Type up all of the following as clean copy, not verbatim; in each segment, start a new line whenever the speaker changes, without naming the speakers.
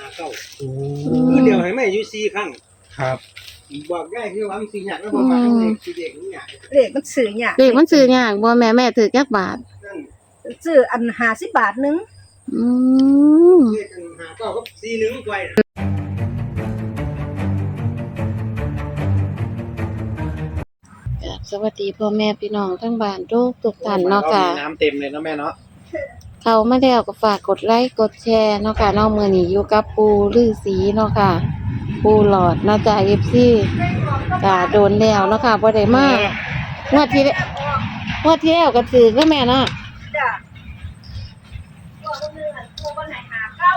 เก้าคือเดียวให้แม่อยู่4ครั้ง
ครับ
บอกได้คือว่ามันสิยากแล้วบ่มาเลขสิเด็กมันยาก
เลขมันซื้อยาก
เลขมันซื้อยากบ่แม่ถือจักบาท
นั่น
ซื้ออัน50 บาทนึง
อืม
เลขอันหาเก้ากับ41ไว้
สวัสดีพ่อแม่พี่น้องทั้งบ้านทุกท่านเนาะค่ะ
น้ำเต็มเลยเนาะแม่เนาะ
เข้ามาแล้วก็ฝากกดไลค์กดแชร์เนาะค่ะเนาะมื้อนี้อยู่กับปู่ฤาษีเนาะค่ะปู่หลอดเนาะจ้ะ FC ก็โดนแล้วเนาะค่ะบ่ได้มางวดที่แล้วก็ถือก็แม่เนาะ
จ้ะตัวนึงอันตัวบ่ไหนหาเก้าก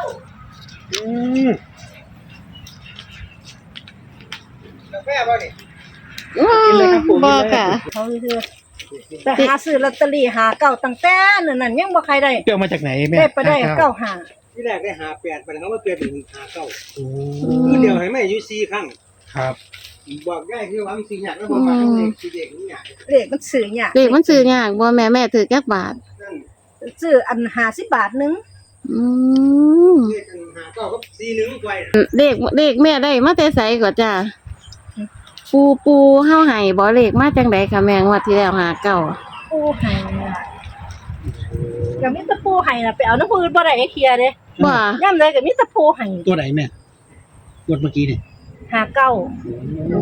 าแฟบ่นี่
บ่ค่ะ
เขาคือแต่หาซื้อลอตเตอรี่หาเก้าตั้งแต่นั่นยังบ่ใครได้
เกี่ยวมาจากไหนแม่
ได้ไปได้เก้าหา
ที่แรกได้หา8บัดนี้เขามาเปลี่ยนเป็นหาเก้าคือเดียวให้แม่อยู่4ครั้ง
ครับ
บอกได้คือว่ามันสิยากแล้วบ่มาเลขสิเด็กมันยาก
เลขมันซื้อยาก
เลขมันซื้อยากบ่แม่ถือจักบาท
นั่น
ซื้ออัน50 บาทนึง
อืม
เลขอันหาเก้ากับ41ไว้
เลขแม่ได้มาแต่ไสก่อนจ้ะปูเฮาให้บ่เลขมาจังได๋ค่ะแม่งวดที่แล้วหาเก้า
ปูให้ก็มีแต่ปูให้น่ะไปเอาน้ำปืนบ่ได้เคลียร์เด้
บ่
ยามใดก็มีแต่ปูให้
ตัวไหนแม่งวดเมื่อกี้นี่
หาเก้า
โอ้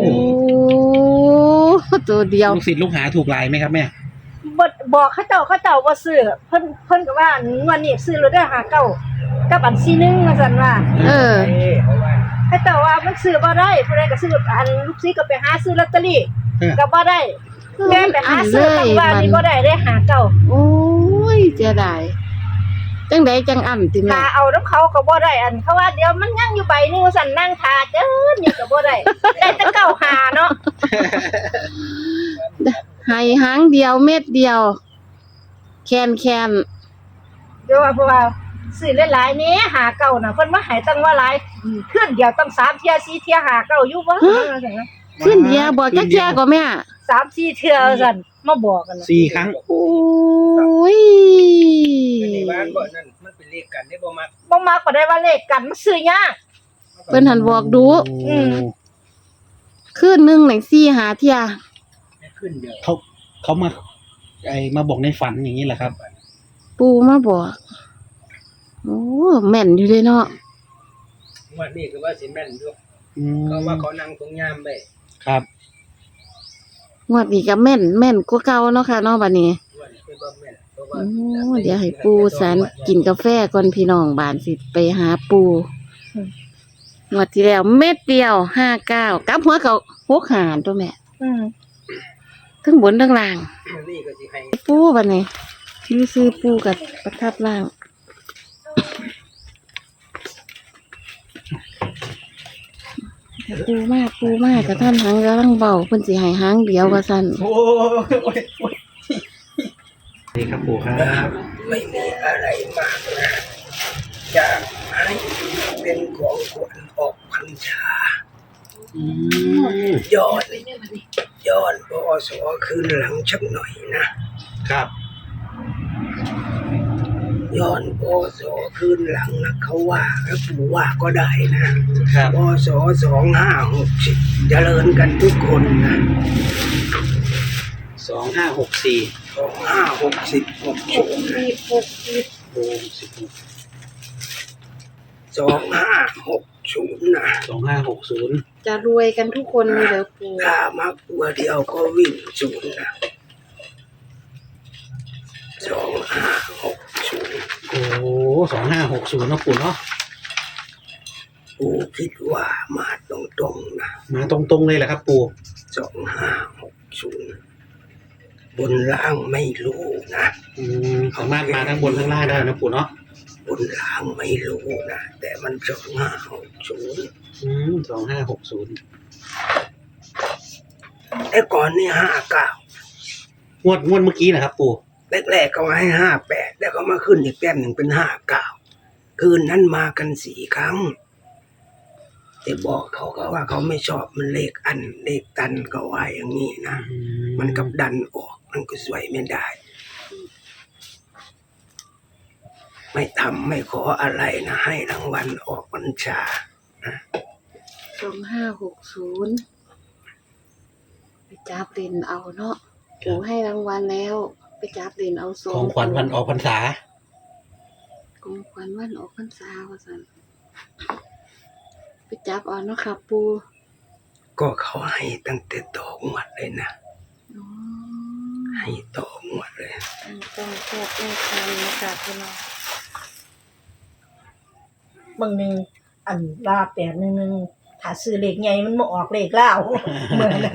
ตัวเดียว
ลูกศิษย์ลูกหาถูกลายไหมครับแม่
บอกเขาเจ้าบ่ซื้อเพิ่นก็ว่าวันนี้ซื้อแล้วได้หาเก้ากับอัน41ว่าซั่นว่าเขาเจ้าว่ามันซื้อบ่ได้ผู้ใดก็ซื้ออันลูกศิษย์ก็ไปหาซื้อลอตเตอรี่ก็บ่ได้แม่ไปหาซื้อตั้งว่านี่บ่ได้หาเก้า
โอ้ยเสียดายจังได๋จังอั่นติแม่
ถ้าเอานำเขาก็บ่ได้อันเขาว่าเดี๋ยวมันยังอยู่ใบนึงว่าซั่นนั่งท่าเด้อนี่ก็บ่ได้ได้แต่เก้าหาเนาะ
ให้หางเดียวเม็ดเดียวแคน
เดี๋ยวว่าเพราะว่าซื้อหลายๆนี้หาเก้าน่ะเพิ่นมาให้ตั้งว่าหลายขึ้นเดียวตั้ง3เที่ย4เที่ยหาเก้าอยู่บ่
ขึ้นเดียวบอกจักเที่ยก็แม่
3-4เที่ยซั่นมาบอกกัน
4ครั้ง
โอ้ย
ในบ้านบ่นั่นมันเป็นเลขกันได้บ่มัก
บ่ได้ว่าเลขกันมันซื้อยาก
เพิ่นหันบอกดูคืนนึงนี่4 5เที่ย
ขึ้นเดียว
เขามาบอกในฝันอย่างนี้แหละครับ
ปู่มาบอกโอ้แม่นอยู่เด้เนาะ
วันนี้คือว่าสิแม่นอยู่เขาว่าเขานั่งตรงยามไป
ครับ
งวดนี้ก็แม่นกว่าเก่าเนาะค่ะเนาะบัดนี้โอ้เดี๋ยวให้ปู่สันกินกาแฟก่อนพี่น้องบ้านสิไปหาปู่งวดที่แล้วเม็ดเดียว59กลับหัวเขา6หารตัวแม่ทั้งบนทั้งล่างปูบัดนี้ซื้อปูกับประทับล่างปูมากกับท่านหางแล้วตั้งเบาเพิ่นสิให้หางเดียวว่าซั่น
โอ้ยนี่ครับปู่ครับ
ไม่มีอะไรมากนะอยากให้เป็นของขวัญออกพรรษาย้อนปอสอคืนหลังชักหน่อยนะครับย้อนปอสอคืนหลังนะเขาว่าแล้วปู่ว่าก็ได้นะครับปอสอ2560เจริญกันทุกคนนะ
2564
2560 2560นะ
2560
จะรวยกันทุกคนเลยเหรอปู่
ถ้ามาตัวเดียวก็วิ่ง0นะ2560
โอ้2560นะปู่เนาะ
ปู่คิดว่ามาตรงๆนะ
มาตรงๆเลยแหละครับปู่
2560บนล่างไม่รู้นะ
สามารถมาทั้งบนทั้งล่างได้นะปู่เนาะ
บนล่างไม่รู้นะแต่มัน
2560
ไอ้ก่อนนี่59
งวดเมื่อกี้นะครับปู่
แรกๆก็ให้58แล้วก็มาขึ้นอีกแต้มหนึ่งเป็น59คืนนั้นมากัน4ครั้งแต่บอกเขาก็ว่าเขาไม่ชอบมันเลขตันก็ว่าอย่างนี้นะมันกับดันออกมันก็สวยไม่ได้ไม่ทำไม่ขออะไรนะให้รางวัลออกพรรษา
2560ไปจับเล่นเอาเนาะปู่ให้รางวัลแล้ว ไปจับเล่นเอาสอ
ของ งขวัญวันออกพรรษา
ของขวัญวันออกพรรษาว่าซั่นไปจับเอาเนาะค่ะปู่
ก็เขาให้ตั้งแต่ต่องวดเลยนะ
อ๋อ
ให้ต่องวดเลย
ต้องแก้แก้ไขนะคะพี่น้อง
บางหนึงอันลา811ถ้าซื้อเลขใหญ่มันบ่ออกเลขลาวเหมือนนั้น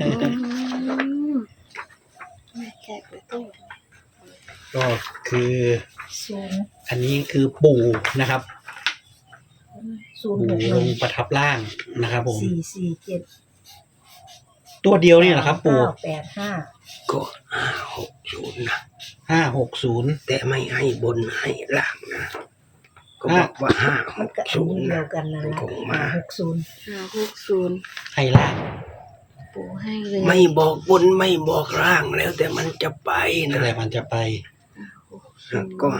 ไม่แก้ไปตู้
ก็คือ
ศูนย์
อันนี้คือปู่นะครับ
ศูนย์
ปู่
หกห
ล
นึ่
ง
ง
ประทับร่างนะครับผม
447
ตัวเดียวนี่แหละครับ ปู่
985
ก็560นะ
560
แต่ไม่ให้บนให้ล่างนะ ก็บอกว่า
มันก็อันนี้
560
เดี
นะ
ยวกันนั่น
มัน
ล่ะ
คงมา
560
ให้ล่าง
ปู่ให้เลย
ไม่บอกบนไม่บอกล่างแล้วแต่มันจะไปนะ
แต่มันจะไป
ก็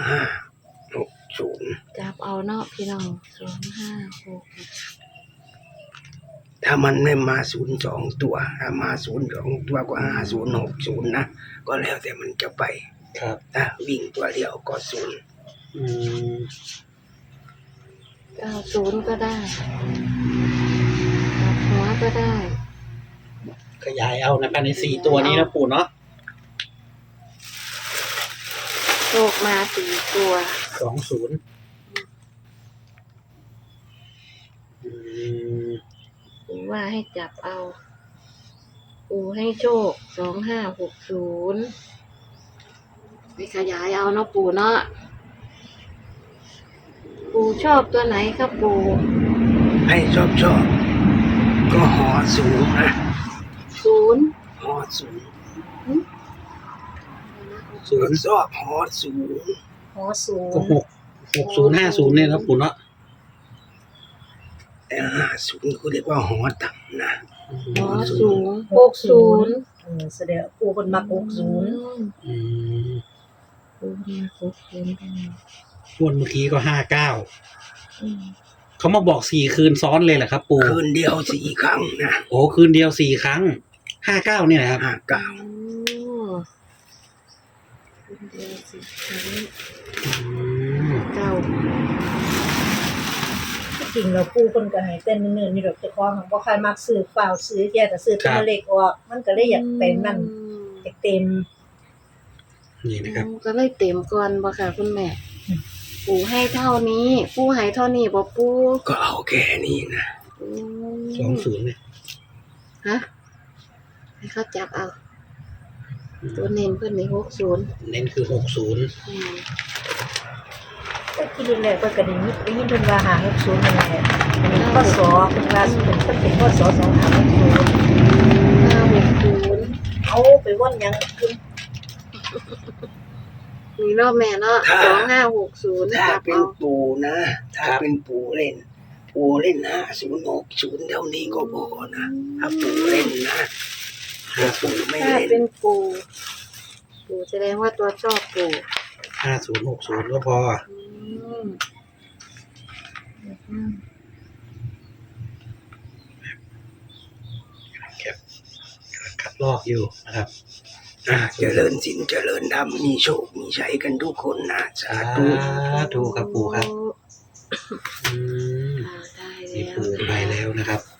560
จับเอาเนาะพี่น้อง256
ถ้ามันไม่มา02ตัวถ้ามา02ตัวก็5060นะก็แล้วแต่มันจะไป
ครับ
ถ้าวิ่งตัวเดียวก็0
อืม
90ก็ได้กลับหัวก็ได้
ขยายเอานะครับใน4ตัวนี้นะปู่เนาะ
โชคมา4ตัว
20อืม
ปู่ว่าให้จับเอา ปู่ให้โชค2560ไปขยายเอาเนาะปู่เนาะ ปู่ชอบตัวไหนครับปู่
ให้ชอบก็หอสูงนะ
0
หอสูง
ศูนย์
ชอบหอสูง
หอศูน
ก็
ย์
6050เนี่ยนะปู่เนาะ
แต่50เขาเรียกว่าหอต่ำนะ
หอสูง60
แสดงปู่เพิ่นมัก60
อืม
ปู่มา60กัน
งวดเมื่อกี้ก็59
อืม
เขามาบอก4คืนซ้อนเลยเหรอครับ ปู่
คืนเดียว4 ครั้งนะ
โอ้คืนเดียว4ครั้ง59เนี่ยนะครับ
59
โอ้คุณเดียวสิครั้ง
อืม
เก้า
จริงแล้วปู่เพิ่นก็ให้แต่เนิ่นๆนี่ดอกเจ้าของบ่ค่อยมักซื้อฟ้าวซื้อแค่แต่ซื้อตัวเลขออกมันก็เลยอยากไปนั่นอยากเต็ม
นี่นะครับ
ก็เลยเต็มก่อนบ่ค่ะคุณแม่ ปู่ให้เท่านี้ ปู่ให้เท่านี้บ่ปู่
ก็เอาแค่นี้นะ
20เนี่ย
ฮะให้เขาจับเอา ตัวเน้นเพิ่นนี่60
เน้นคือ60
อืม
แต่ที่แรกๆเพิ่นก็ได้ยินเพิ่นว่า560นั่นแหละอันนี้พศเพิ่นว่าเพิ่นเป็นพศ2560
960
เอาไปว่อนหยังเพิ่น
มีรอบแม่เนาะ2560
ถ้า
จับ
เป็น
เอา
ปู่นะ ถ้าเป็นปู่เล่น5060เท่านี้ก็พอนะถ้าปู่เล่นนะถ้าปู่ไม่
ถ้า
เล่น
เป็นปู่แสดงว่าตัวชอบปู่
5060ก็พอ
อืม
คัดลอกอยู่นะครับ
เจริญสินเจริญธรรมมีโชคมีชัยกันทุกคนนะสาธุ
ถูกครับปู่ครับ อืม
ได้
มี
แล้ว
ปู่ไปแล้วนะครับ